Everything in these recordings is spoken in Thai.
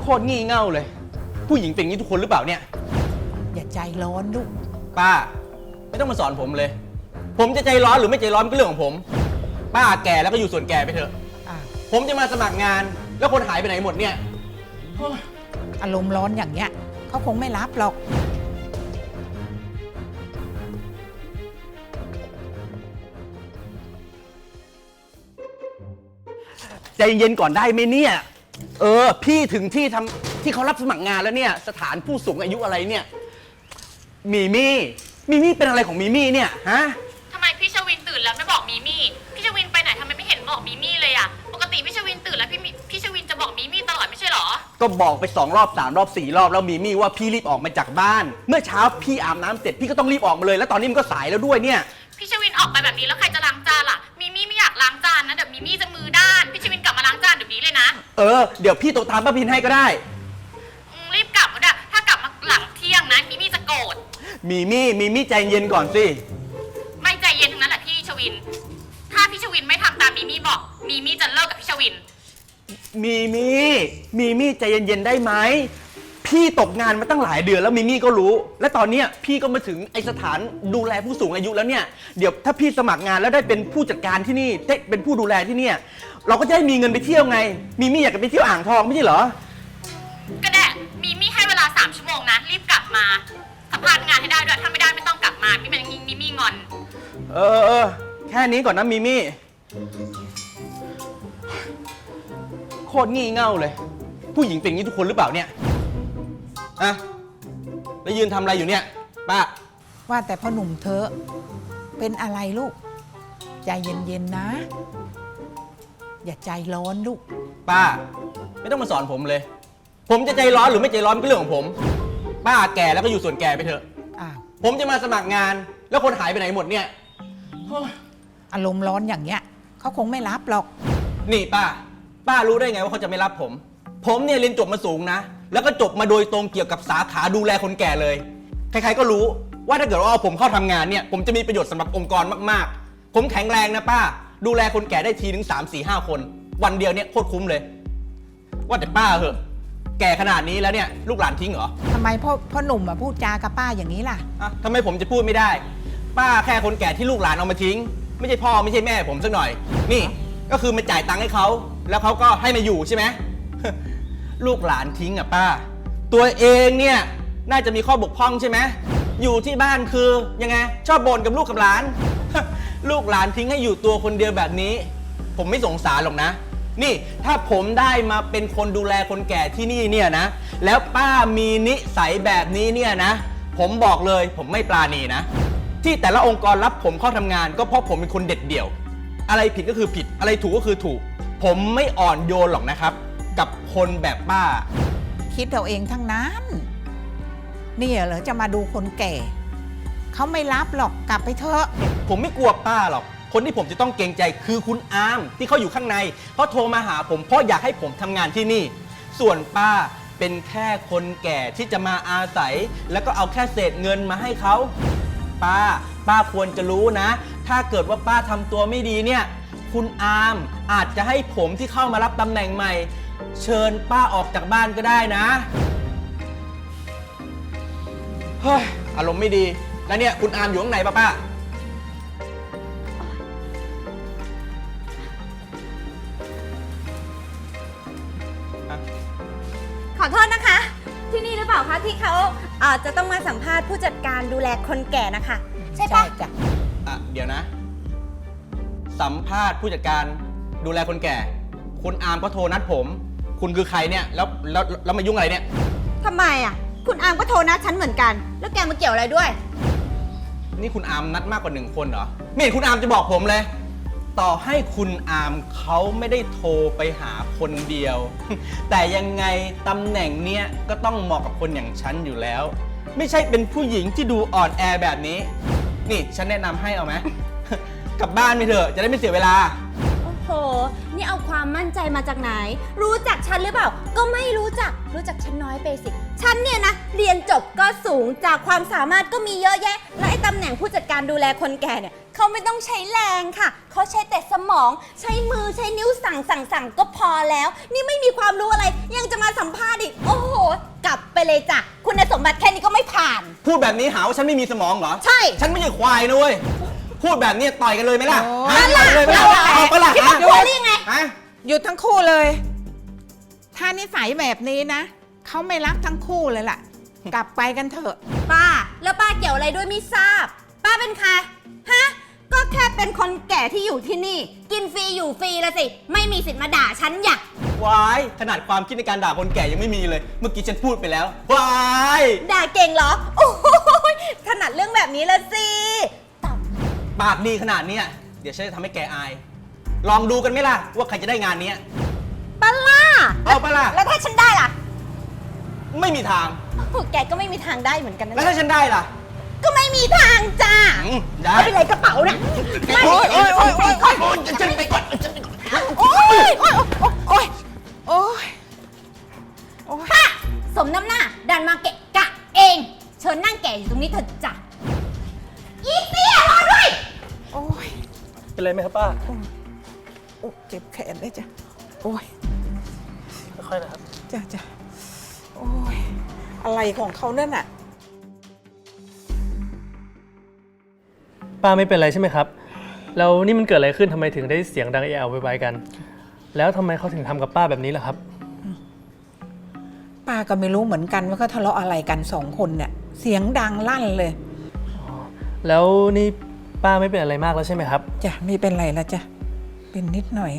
ตรงี่เง่าเลยผู้หญิงเป็นอย่างนี้ทุกคนหรือเปล่าเนี่ยอย่าใจร้อนลูกป้าไม่ต้องมาสอนผมเลยผมจะใจร้อนหรือไม่ใจร้อนก็เรื่องของผมป้าแก่แล้วก็อยู่ส่วนแก่ไปเถอะผมจะมาสมัครงานแล้วคนหายไปไหนหมดเนี่ยอารมณ์ร้อนอย่างเงี้ยเขาคงไม่รับหรอกใจเย็นก่อนได้ไหมเนี่ยพี่ถึงที่เขารับสมัครงานแล้วเนี่ยสถานผู้สูงอายุอะไรเนี่ยมีมี่เป็นอะไรของมีมี่เนี่ยฮะทำไมพี่ชวินตื่นแล้วไม่บอกมีมี่พี่ชวินไปไหนทำไมไม่เห็นบอกมีมี่เลยอะปกติพี่ชวินตื่นแล้วพี่ชวินจะบอกมีมี่ตลอดไม่ใช่หรอก็บอกไป2 รอบ3 รอบ 4 รอบแล้วมีมี่ว่าพี่รีบออกมาจากบ้านเมื่อเช้าพี่อาบน้ำเสร็จพี่ก็ต้องรีบออกมาเลยแล้วตอนนี้มันก็สายแล้วด้วยเนี่ยพี่ชวินออกไปแบบนี้แล้วใครจะล้างจานล่ะมีมี่ไม่อยากล้างจานนะเดี๋ยวมีมี่จะมือด้านพี่ชวินกลับมาล้างจานเดี๋ยวนี้เลยนะเดี๋ยวพี่โทรตามป้าพินให้ก็ได้รีบกลับก็ได้ถ้ากลับมาหลังเที่ยงนะมีมี่จะโกรธมีมี่ใจเย็นก่อนสิไม่ใจเย็นทั้งนั้นแหละพี่ชวินถ้าพี่ชวินไม่ทำตามมีมี่บอกมีมี่จะเลิกกับพี่ชวินมีมี่ใจเย็นๆได้ไหมพี่ตกงานมาตั้งหลายเดือนแล้วมีมี่ก็รู้และตอนนี้พี่ก็มาถึงไอสถานดูแลผู้สูงอายุแล้วเนี่ยเดี๋ยวถ้าพี่สมัครงานแล้วได้เป็นผู้จัดการที่นี่ได้เป็นผู้ดูแลที่เนี่ยเราก็จะได้มีเงินไปเที่ยวไงมีมี่อยากจะไปเที่ยวอ่างทองไม่ใช่เหรอก็ได้มีมี่ให้เวลา3 ชั่วโมงนะรีบกลับมาสัมภาษณ์งานให้ได้ด้วยถ้าไม่ได้ไม่ต้องกลับมาพี่เป็นมีมี่งอนแค่นี้ก่อนนะมีมี่โคตรงี่เง่าเลยผู้หญิงเป็นอย่างนี้ทุกคนหรือเปล่าเนี่ยอะแล้วยืนทำอะไรอยู่เนี่ยป้าว่าแต่พ่อหนุ่มเธอเป็นอะไรลูกใจเย็นๆนะอย่าใจร้อนลูกป้าไม่ต้องมาสอนผมเลยผมจะใจร้อนหรือไม่ใจร้อนก็เรื่องของผมป้าแก่แล้วก็อยู่ส่วนแก่ไปเถอะผมจะมาสมัครงานแล้วคนหายไปไหนหมดเนี่ยอารมณ์ร้อนอย่างเงี้ยเขาคงไม่รับหรอกนี่ป้ารู้ได้ไงว่าเขาจะไม่รับผมเนี่ยเรียนจบมาสูงนะแล้วก็จบมาโดยตรงเกี่ยวกับสาขาดูแลคนแก่เลยใครๆก็รู้ว่าถ้าเกิดว่าเอาผมเข้าทำงานเนี่ยผมจะมีประโยชน์สำหรับองค์กรมากๆผมแข็งแรงนะป้าดูแลคนแก่ได้ทีถึง3, 4, 5 คนวันเดียวเนี่ยโคตรคุ้มเลยว่าแต่ป้าเหอะแก่ขนาดนี้แล้วเนี่ยลูกหลานทิ้งเหรอทำไมพ่อหนุ่มมาพูดจากับป้าอย่างนี้ล่ะทำไมผมจะพูดไม่ได้ป้าแค่คนแก่ที่ลูกหลานเอามาทิ้งไม่ใช่พ่อไม่ใช่แม่ผมสักหน่อยนี่ก็คือมาจ่ายตังค์ให้เขาแล้วเขาก็ให้มาอยู่ใช่ไหม ลูกหลานทิ้งอ่ะป้าตัวเองเนี่ยน่าจะมีข้อบกพร่องใช่ไหมอยู่ที่บ้านคือยังไงชอบบ่นกับลูกกับหลาน ลูกหลานทิ้งให้อยู่ตัวคนเดียวแบบนี้ผมไม่สงสารหรอกนะนี่ถ้าผมได้มาเป็นคนดูแลคนแก่ที่นี่เนี่ยนะแล้วป้ามีนิสัยแบบนี้เนี่ยนะผมบอกเลยผมไม่ปราณีนะที่แต่ละองค์กรรับผมเข้าทำงานก็เพราะผมเป็นคนเด็ดเดี่ยวอะไรผิดก็คือผิดอะไรถูกก็คือถูกผมไม่อ่อนโยนหรอกนะครับกับคนแบบป้าคิดเอาเองทั้งนั้นนี่เหรอจะมาดูคนแก่เขาไม่รับหรอกกลับไปเถอะผมไม่กลัวป้าหรอกคนที่ผมจะต้องเกรงใจคือคุณอามที่เขาอยู่ข้างในเขาโทรมาหาผมเพราะอยากให้ผมทำงานที่นี่ส่วนป้าเป็นแค่คนแก่ที่จะมาอาศัยแล้วก็เอาแค่เศษเงินมาให้เขาป้าควรจะรู้นะถ้าเกิดว่าป้าทำตัวไม่ดีเนี่ยคุณอามอาจจะให้ผมที่เข้ามารับตำแหน่งใหม่เชิญป้าออกจากบ้านก็ได้นะเฮ้ยอารมณ์ไม่ดีแล้วเนี่ยคุณอามอยู่ข้างในป้าขอโทษนะคะที่นี่หรือเปล่าคะที่เขาจะต้องมาสัมภาษณ์ผู้จัดการดูแลคนแก่นะคะใช่ปะจ้ะเดี๋ยวนะสัมภาษณ์ผู้จัดการดูแลคนแก่คุณอามก็โทรนัดผมคุณคือใครเนี่ยแล้วมายุ่งอะไรเนี่ยทำไมคุณอามก็โทรนัดฉันเหมือนกันแล้วแกมาเกี่ยวอะไรด้วยนี่คุณอามนัดมากกว่า1 คนเหรอไม่เห็นคุณอามจะบอกผมเลยต่อให้คุณอามเขาไม่ได้โทรไปหาคนเดียว แต่ยังไงตำแหน่งเนี้ยก็ต้องเหมาะกับคนอย่างฉันอยู่แล้วไม่ใช่เป็นผู้หญิงที่ดูอ่อนแอแบบนี้นี่ฉันแนะนำให้เอาไหม กลับบ้านไปเถอะจะได้ไม่เสียเวลาโอ้โหนี่เอาความมั่นใจมาจากไหนรู้จักฉันหรือเปล่าก็ไม่รู้จักฉันน้อยไปสิฉันเนี่ยนะเรียนจบก็สูงจากความสามารถก็มีเยอะแยะและไอ้ตำแหน่งผู้จัดการดูแลคนแก่เนี่ยเขาไม่ต้องใช้แรงค่ะเขาใช้แต่สมองใช้มือใช้นิ้วสั่งก็พอแล้วนี่ไม่มีความรู้อะไรยังจะมาสัมภาษณ์อีกเลยจ้ะคุณสมบัติแค่นี้ก็ไม่ผ่านพูดแบบนี้หาว่าฉันไม่มีสมองเหรอใช่ฉันไม่ใช่ควายนะเว้ย พูดแบบนี้ต่อยกันเลยไหมล่ะโอ้ฮะต่อยกันเลยไหมล่ะเอาปะล่ะคิดฮะว่าควายหรือยังไงฮะหยุดทั้งคู่เลย ถ้านิสัยแบบนี้นะเขาไม่รักทั้งคู่เลยล่ะ กลับไปกันเถอะป้า แล้วป้าเกี่ยวอะไรด้วยไม่ทราบ ป้าเป็นใครฮะ ก็แค่เป็นคนแก่ที่อยู่ที่นี่ กินฟรีอยู่ฟรีละสิ ไม่มีสิทธิ์มาด่าฉันอย่าวายขนาดความคิดในการด่าคนแก่ยังไม่มีเลย เมื่อกี้ฉันพูดไปแล้ววายด่าเก่งเหรอ โอ้ยถนัดเรื่องแบบนี้ละสิต่ปากดีขนาดเนี้ยเดี๋ยวฉันจะทำให้แกอาย ลองดูกันไหมล่ะ ว่าใครจะได้งานเนี้ยำป้าล่าเอาปะล่ะแล้วถ้าฉันได้ล่ะไม่มีทางโอ้แกก็ไม่มีทางได้เหมือนกันนะแล้วถ้าฉันได้ล่ะก็ไม่มีทางจ้าได้ไม่เป็นไรกระเป๋านะไม่โอ๊ยโอ๊ยโอ๊ยโอ๊ยโอ๊ยโอ๊ยฉันไปก่อนฉันไปก่อนโอ๊ยโอ๊ยโอ๊ยโอ๊ยโอ๊ยป้าสมน้ำหน้า ดันมาเกะกะเอง เชิญนั่งแก่อยู่ตรงนี้เถอะจ้ะอีเตี้ยรอด้วยโอ๊ยเป็นไรไหมครับป้าโอ๊ยเจ็บแขนเลยจ้ะโอ๊ยค่อยๆนะครับจ้ะจ้ะโอ๊ยอะไรของเขานั่นน่ะป้าไม่เป็นไรใช่ไหมครับ แล้วนี่มันเกิดอะไรขึ้นทำไมถึงได้เสียงดังเอะอะโวยวายกัน แล้วทำไมเขาถึงทำกับป้าแบบนี้ล่ะครับป้าก็ไม่รู้เหมือนกันว่าเขาทะเลาะอะไรกันสองคนเนี่ยเสียงดังลั่นเลยแล้วนี่ป้าไม่เป็นอะไรมากแล้วใช่ไหมครับจ้ะไม่เป็นไรแล้วจ้ะเป็นนิดหน่อย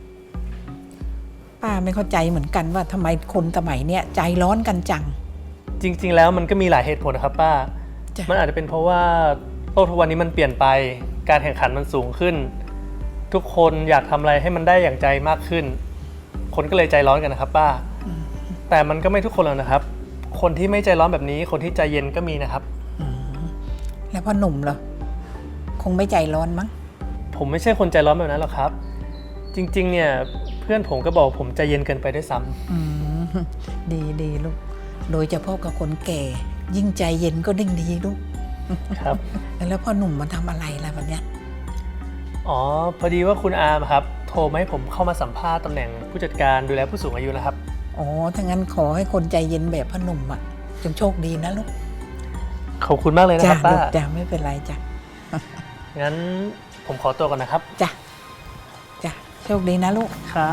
ป้าไม่เข้าใจเหมือนกันว่าทำไมคนสมัยเนี้ยใจร้อนกันจังจริง ๆ แล้วมันก็มีหลายเหตุผลนะครับป้าจ้ะมันอาจจะเป็นเพราะว่าโลกทุกวันนี้มันเปลี่ยนไป การแข่งขันมันสูงขึ้น ทุกคนอยากทำอะไรให้มันได้อย่างใจมากขึ้น คนก็เลยใจร้อนกันนะครับป้า แต่มันก็ไม่ทุกคนหรอกนะครับ คนที่ไม่ใจร้อนแบบนี้ คนที่ใจเย็นก็มีนะครับแล้วพ่อหนุ่มเหรอคงไม่ใจร้อนมั้งผมไม่ใช่คนใจร้อนแบบนั้นหรอกครับ จริงๆ เนี่ยเพื่อนผมก็บอกผมใจเย็นเกินไปด้วยซ้ำอืมดีดีลูก โดยเฉพาะกับคนแก่ ยิ่งใจเย็นก็ยิ่งดีลูกครับแล้วพ่อหนุ่มมาทำอะไรล่ะวันเนี้ยอ๋อ พอดีว่าคุณอาร์มครับ โทรมาให้ผมเข้ามาสัมภาษณ์ตำแหน่งผู้จัดการดูแลผู้สูงอายุนะครับอ๋อถ้างั้นขอให้คนใจเย็นแบบพ่อหนุ่มอ่ะจงโชคดีนะลูกขอบคุณมากเลยนะจ้ะครับป้าลูกจ้ะไม่เป็นไรจ้ะงั้นผมขอตัวก่อนนะครับจ้ะจ้ะโชคดีนะลูกครับ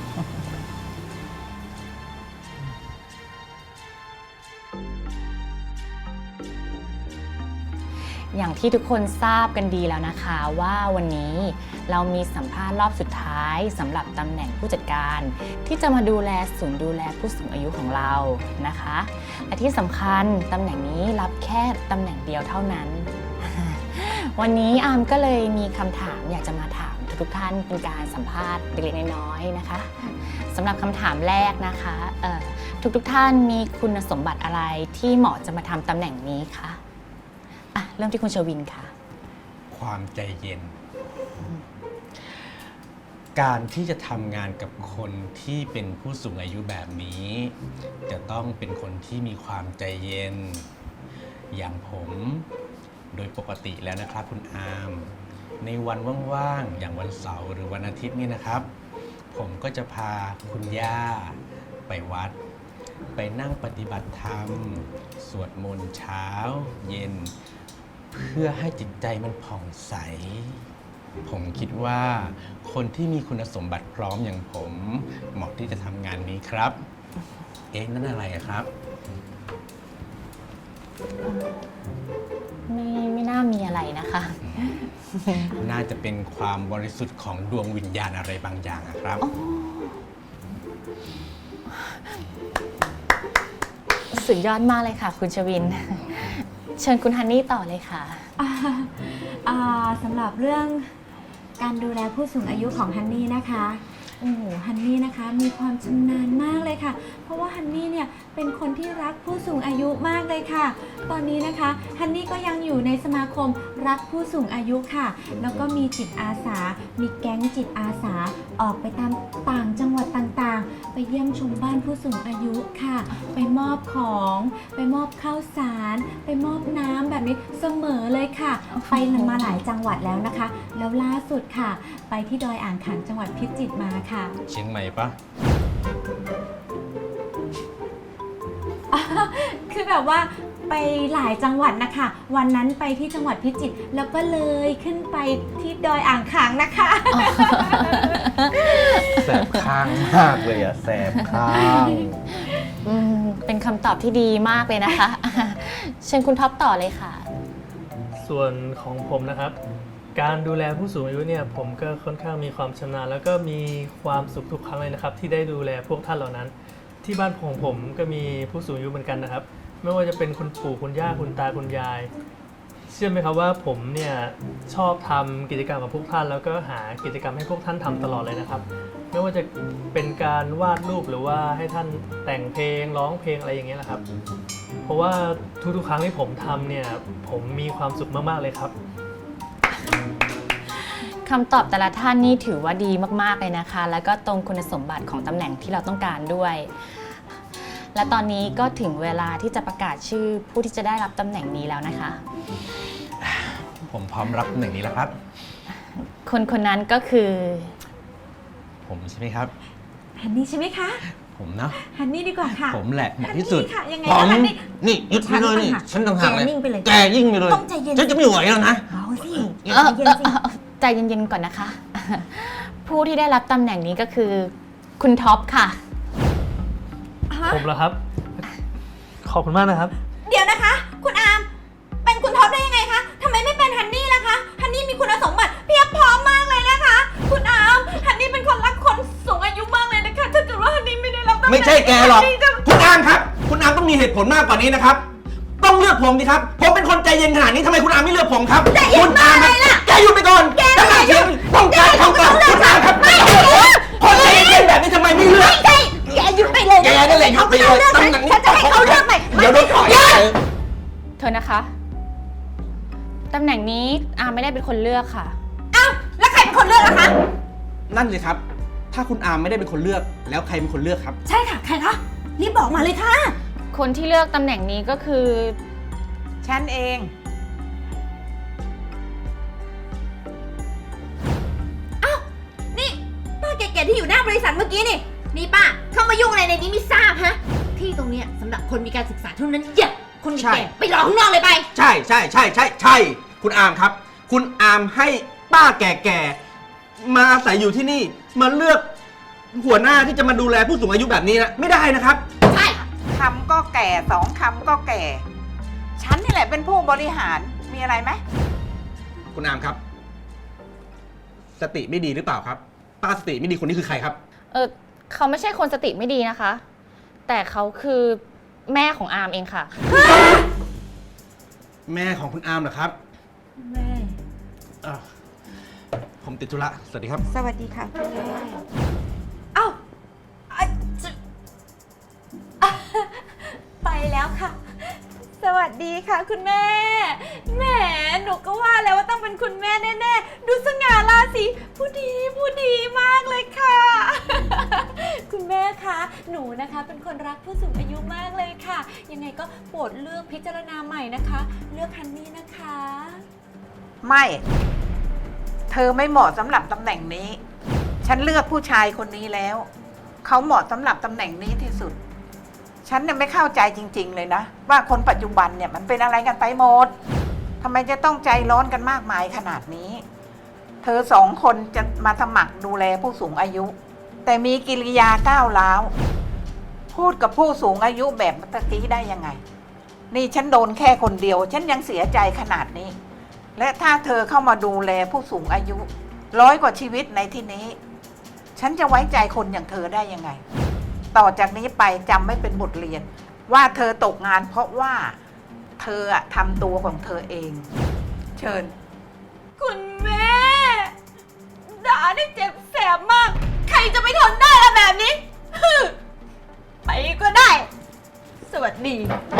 อย่างที่ทุกคนทราบกันดีแล้วนะคะว่าวันนี้เรามีสัมภาษณ์รอบสุดท้ายสำหรับตำแหน่งผู้จัดการ ที่จะมาดูแลศูนย์ดูแลผู้สูงอายุของเรานะคะและที่สำคัญตำแหน่งนี้รับแค่ตำแหน่งเดียวเท่านั้น วันนี้อาร์มก็เลยมีคำถามอยากจะมาถามทุกท่านเป็นการสัมภาษณ์เล็กๆน้อยๆนะคะสำหรับคำถามแรกนะคะทุกท่านมีคุณสมบัติอะไรที่เหมาะจะมาทำตำแหน่งนี้คะอ่ะเริ่มที่คุณชวินค่ะความใจเย็น การที่จะทำงานกับคนที่เป็นผู้สูงอายุแบบนี้ จะต้องเป็นคนที่มีความใจเย็น อย่างผมโดยปกติแล้วนะครับคุณอาร์มในวันว่างๆอย่างวันเสาร์หรือวันอาทิตย์นี่นะครับ ผมก็จะพาคุณย่าไปวัด ไปนั่งปฏิบัติธรรม สวดมนต์เช้าเย็น เพื่อให้จิตใจมันผ่องใส ผมคิดว่าคนที่มีคุณสมบัติพร้อมอย่างผมเหมาะที่จะทำงานนี้ครับ เอ๊ะนั่นอะไรอะครับไม่น่ามีอะไรนะคะน่าจะเป็นความบริสุทธิ์ของดวงวิญญาณอะไรบางอย่างอะครับสุดยอดมากเลยค่ะ คุณชวิน เชิญคุณฮันนี่ต่อเลยค่ะสำหรับเรื่องการดูแลผู้สูงอายุของฮันนี่นะคะโอ้โหฮันนี่นะคะมีความชำนาญมากเลยค่ะ เพราะว่าฮันนี่เนี่ยเป็นคนที่รักผู้สูงอายุมากเลยค่ะ ตอนนี้นะคะฮันนี่ก็ยังอยู่ในสมาคมรักผู้สูงอายุค่ะ แล้วก็มีจิตอาสา มีแก๊งจิตอาสาออกไปตามต่างจังหวัดต่างๆ ไปเยี่ยมชมบ้านผู้สูงอายุค่ะ ไปมอบของไปมอบข้าวสารไปมอบน้ำแบบนี้เสมอเลยค่ะ ไปมาหลายจังหวัดแล้วนะคะ แล้วล่าสุดค่ะ ไปที่ดอยอ่างขางจังหวัดพิจิตรมาค่ะเชียงใหม่ปะคือแบบว่าไปหลายจังหวัดนะคะ วันนั้นไปที่จังหวัดพิจิตรแล้วก็เลยขึ้นไปที่ดอยอ่างขางนะคะแสบข้างมากเลยอะแสบข้างเป็นคำตอบที่ดีมากเลยนะคะ เชิญคุณท็อปต่อเลยค่ะส่วนของผมนะครับ การดูแลผู้สูงอายุเนี่ยผมก็ค่อนข้างมีความชำนาญแล้วก็มีความสุขทุกครั้งเลยนะครับ ที่ได้ดูแลพวกท่านเหล่านั้น ที่บ้านของผมก็มีผู้สูงอายุเหมือนกันนะครับ ไม่ว่าจะเป็นคุณปู่คุณย่าคุณตาคุณยาย เชื่อไหมครับว่าผมเนี่ยชอบทำกิจกรรมกับพวกท่าน แล้วก็หากิจกรรมให้พวกท่านทำตลอดเลยนะครับ ไม่ว่าจะเป็นการวาดรูปหรือว่าให้ท่านแต่งเพลงร้องเพลงอะไรอย่างเงี้ยนะครับ เพราะว่าทุกๆครั้งที่ผมทำเนี่ยผมมีความสุขมากๆเลยครับคำตอบแต่ละท่านนี่ถือว่าดีมากๆเลยนะคะ แล้วก็ตรงคุณสมบัติของตำแหน่งที่เราต้องการด้วย และตอนนี้ก็ถึงเวลาที่จะประกาศชื่อผู้ที่จะได้รับตำแหน่งนี้แล้วนะคะผมพร้อมรับตำแหน่งนี้แล้วครับคนคนนั้นก็คือผมใช่ไหมครับฮันนี่ใช่ไหมคะผมเนาะฮันนี่ดีกว่าค่ะผมแหละเหมาะที่สุดฮันนี่ค่ะยังไงผมนะฮันนี่นี่หยุดไปเลยนี่ฉัฉันนต่างหากแกนิ่งไปเลยแกยิ่งไปเลยต้องใจเย็นฉันจะไม่ไหวแล้วนะเอาสิเอ่อใจเย็นสิใจเย็นๆก่อนนะคะ ผู้ที่ได้รับตำแหน่งนี้ก็คือคุณท็อปค่ะฮะผมเหรอครับ ขอบคุณมากนะครับเดี๋ยวนะคะ คุณอาร์มเป็นคุณท็อปได้ยังไงคะทำไมไม่เป็นฮันนี่ล่ะคะฮันนี่มีคุณสมบัติเพียบพร้อมมากเลยนะคะ คุณอาร์มฮันนี่เป็นคนรักคนสูงอายุมากเลยนะคะถ้าเกิดว่าฮันนี่ไม่ได้รับตำแหน่งไม่ใช่แกหรอกฮันนี่จะคุณอามครับ คุณอามต้องมีเหตุผลมากกว่านี้นะครับ ต้องเลือกผมดิครับ ผมเป็นคนใจเย็นขนาดนี้ทำไมคุณอามไม่เลือกผมครับคุณอามแกหยุดไปก่อนแกไม่เชื่อต้องการคำตอบคุณอามครับไม่คนใจเย็นแบบนี้ทำไมไม่เลือกแกหยุดไปเลยแกนั่นแหละหยุดไปเลยตำแหน่งนี้ฉันจะให้เขาเลือกใหม่เดี๋ยวโดนถอยเธอนะคะ ตำแหน่งนี้อาไม่ได้เป็นคนเลือกค่ะอ้าวแล้วใครเป็นคนเลือกล่ะคะนั่นสิครับ ถ้าคุณอามไม่ได้เป็นคนเลือก แล้วใครเป็นคนเลือกครับใช่ค่ะใครคะรีบบอกมาเลยค่ะคนที่เลือกตำแหน่งนี้ก็คือฉันเองนี่ป้าแก่ๆที่อยู่หน้าบริษัทเมื่อกี้นี่นี่ป้าเข้ามายุ่งอะไรในนี้ไม่ทราบฮะที่ตรงเนี้ยสำหรับคนมีการศึกษาเท่านั้นอย่าคนใช่แก่ๆไปรอข้างนอกเลยไปใช่ใช่ใช่ใช่ใช่คุณอามครับ คุณอามให้ป้าแก่ๆมาอาศัยอยู่ที่นี่มาเลือกหัวหน้าที่จะมาดูแลผู้สูงอายุแบบนี้นะไม่ได้นะครับใช่คำก็แก่สองคำก็แก่ ฉันนี่แหละเป็นผู้บริหารมีอะไรไหมคุณอามครับ สติไม่ดีหรือเปล่าครับ ป้าสติไม่ดีคนนี้คือใครครับเขาไม่ใช่คนสติไม่ดีนะคะ แต่เขาคือแม่ของอาร์มเองค่ะแม่ของคุณอามเหรอครับแม่อ่ะผมติดธุระสวัสดีครับสวัสดีค่ะคุณแม่เอ้าอ่ะจะอ่ะไปแล้วค่ะ สวัสดีค่ะคุณแม่แหมหนูก็ว่าแล้วว่าต้องเป็นคุณแม่แน่ๆดูสง่าราศีผู้ดีมากเลยค่ะ คุณแม่คะหนูนะคะเป็นคนรักผู้สูงอายุมากเลยค่ะ ยังไงก็โปรดเลือกพิจารณาใหม่นะคะ เลือกฮันนี่นะคะไม่ เธอไม่เหมาะสำหรับตำแหน่งนี้ ฉันเลือกผู้ชายคนนี้แล้ว เขาเหมาะสำหรับตำแหน่งนี้ที่สุด ฉันเนี่ยไม่เข้าใจจริง ๆ เลยนะ ว่าคนปัจจุบันเนี่ยมันเป็นอะไรกันไปหมดทำไมจะต้องใจร้อนกันมากมายขนาดนี้ เธอสองคนจะมาสมัครดูแลผู้สูงอายุ แต่มีกิริยาก้าวร้าวพูดกับผู้สูงอายุแบบเมื่อกี้ได้ยังไง นี่ฉันโดนแค่คนเดียว ฉันยังเสียใจขนาดนี้ และถ้าเธอเข้ามาดูแลผู้สูงอายุ100 กว่าชีวิตในที่นี้ ฉันจะไว้ใจคนอย่างเธอได้ยังไง ต่อจากนี้ไปจำไม่เป็นบทเรียน ว่าเธอตกงานเพราะว่าเธอทำตัวของเธอเอง เชิญคุณแม่ด่าได้เจ็บแสบมาก ใครจะไม่ทนได้ละแบบนี้ ฮึไปก็ได้ สวัสดี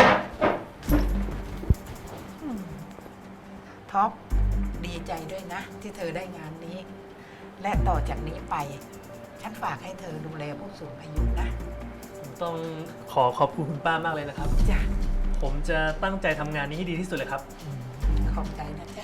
ท็อปดีใจด้วยนะ ที่เธอได้งานนี้ และต่อจากนี้ไป ฉันฝากให้เธอดูแลผู้สูงอายุนะผมต้องขอบคุณคุณป้ามากเลยนะครับจ้ะผมจะตั้งใจทำงานนี้ให้ดีที่สุดเลยครับขอบใจนะจ๊ะ